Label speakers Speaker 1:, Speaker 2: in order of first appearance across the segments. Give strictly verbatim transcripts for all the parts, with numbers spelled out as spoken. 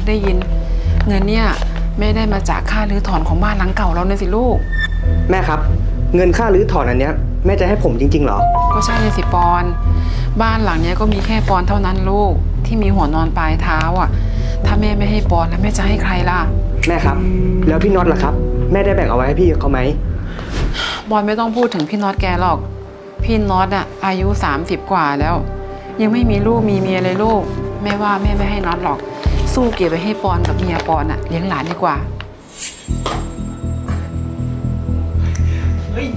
Speaker 1: ได้ยินเงินเนี่ยไม่ได้มาจากค่ารื้อถอนของบ้านหลังเก่าเราเนี่ยสิลูก
Speaker 2: แม่ครับเงินค่ารื้อถอนอันเนี้ยแม่จะให้ผมจริงๆเหรอ
Speaker 1: ก็ใช่เลยสิปอนบ้านหลังเนี้ยก็มีแค่ปอนเท่านั้นลูกที่มีหัวนอนปลายเท้าอ่ะถ้าแม่ไม่ให้ปอนแล้วแม่จะให้ใครล่ะ
Speaker 2: แม่ครับแล้วพี่น็อตล่ะครับแม่ได้แบ่งเอาไว้ให้พี่เขาไหม
Speaker 1: บอลไม่ต้องพูดถึงพี่น็อตแกหรอกพี่น็อตอ่ะอายุสามสิบกว่าแล้วยังไม่มีลูกมีเมียเลยลูกแม่ว่าแม่ไม่ให้น็อตหรอกสู้เก็บไปให้ปอนกับเมียปอนอ่ะเลี้ยงหลานดีกว่า
Speaker 3: เฮ้ย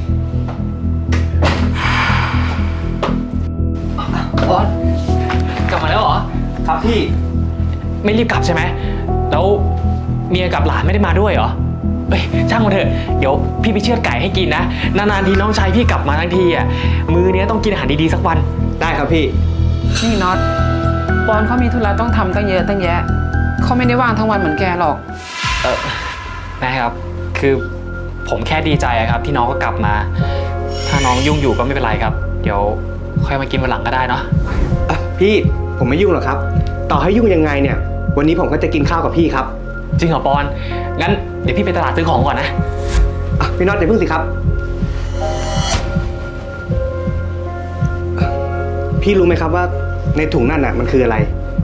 Speaker 3: บอลกลับมาแล้วเหรอ
Speaker 2: ครับพี่
Speaker 3: ไม่รีบกลับใช่ไหมแล้วเมียกับหลานไม่ได้มาด้วยเหรอเอ้ยช่างมันเถอะเดี๋ยวพี่ไปเชือดไก่ให้กินนะนานๆทีน้องชายพี่กลับมาทั้งทีอ่ะมื้อนี้ต้องกินอาหารดีๆสักวัน
Speaker 2: ได้ครับพี่
Speaker 1: นี่น็อตปอนเขามีธุระต้องทำตั้งเยอะตั้งแยะเขาไม่ได้ว่างทั้งวันเหมือนแกหรอก
Speaker 3: เออแม่ครับคือผมแค่ดีใจครับที่น้องก็กลับมาถ้าน้องยุ่งอยู่ก็ไม่เป็นไรครับเดี๋ยวค่อยมากินวันหลังก็ได้เนาะ
Speaker 2: อ่ะพี่ผมไม่ยุ่งหรอกครับต่อให้ยุ่งยังไงเนี่ยวันนี้ผมก็จะกินข้าวกับพี่ครับ
Speaker 3: จริงเหรอปอนงั้นเดี๋ยวพี่ไปตลาดซื้อของก่อนนะ
Speaker 2: อ่ะพี่น็อตเดี๋ยวพึ่งสิครับพี่รู้ไหมครับว่าในถุงนั่นน่ะมันคืออะไร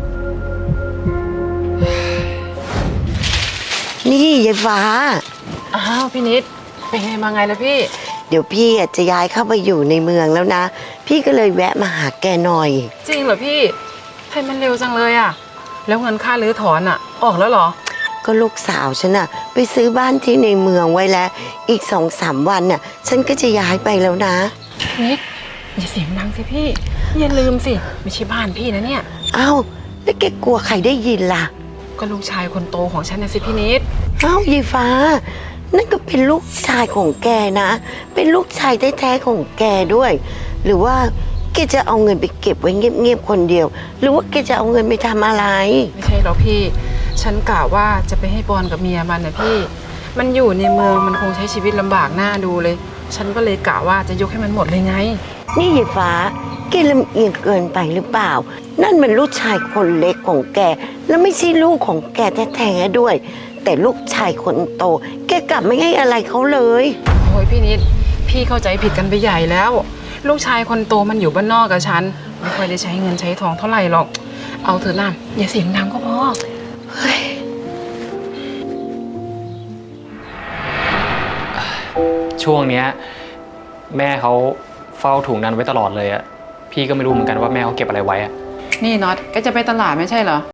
Speaker 4: นี่ยายฟ้า
Speaker 1: อ้าวพี่นิดเป็นไงมาไงล่ะพี่
Speaker 4: เดี๋ยวพี่จะย้ายเข้าไปอยู่ในเมืองแล้วนะพี่ก็เลยแวะมาหาแกหน่อย
Speaker 1: จริงเหรอพี่ให้มันเร็วจังเลยอ่ะแล้วเงินค่ารื้อถอนอ่ะออกแล้วเหรอ
Speaker 4: ก็ลูกสาวฉันน่ะไปซื้อบ้านที่ในเมืองไว้แล้วอีกสองสามวันน่ะฉันก็จะย้ายไปแล้วนะ
Speaker 1: นิดอย่าเสียงดังสิพี่อย่าลืมสิไม่ใช่บ้านพี่นะเนี่ย
Speaker 4: อ้าวแล้วแกกลัวใครได้ยินล่ะ
Speaker 1: ก็ลูกชายคนโตของฉันนะสิพี่นิด
Speaker 4: อ้าวยายฟ้านั่นก็เป็นลูกชายของแกนะเป็นลูกชายแท้ๆของแกด้วยหรือว่าแกจะเอาเงินไปเก็บไว้เงียบๆคนเดียวหรือว่าแกจะเอาเงินไปทำอะไร
Speaker 1: ไม่ใช่หรอกพี่ฉันกะว่าจะไปให้ปอนกับเมียมันนะพี่มันอยู่ในเมืองมันคงใช้ชีวิตลำบากหน้าดูเลยฉันก็เลยกะว่าจะยกให้มันหมดเลยไง
Speaker 4: นี่ยายฟ้าแกลำเอียงเกินไปหรือเปล่านั่นมันลูกชายคนเล็กของแกแล้วไม่ใช่ลูกของแกแท้ๆด้วยแต่ลูกชายคนโตแกกลับไม่ให้อะไรเขาเลย
Speaker 1: โอ้ยพี่นิดพี่เข้าใจผิดกันไปใหญ่แล้วลูกชายคนโตมันอยู่บ้านนอกกับฉันไม่ค่อยได้ใช้เงินใช้ทองเท่าไหร่หรอกเอาเถอะนะอย่าเสียงดังก็พอ
Speaker 3: ช่วงเนี้ยแม่เขาเฝ้าถุงนั้นไว้ตลอดเลยอะพี่ก็ไม่รู้เหมือนกันว่าแม่เขาเก็บอะไรไว้อะ
Speaker 1: นี่น็อตก็จะไปตลาดไม่ใช่เหรอ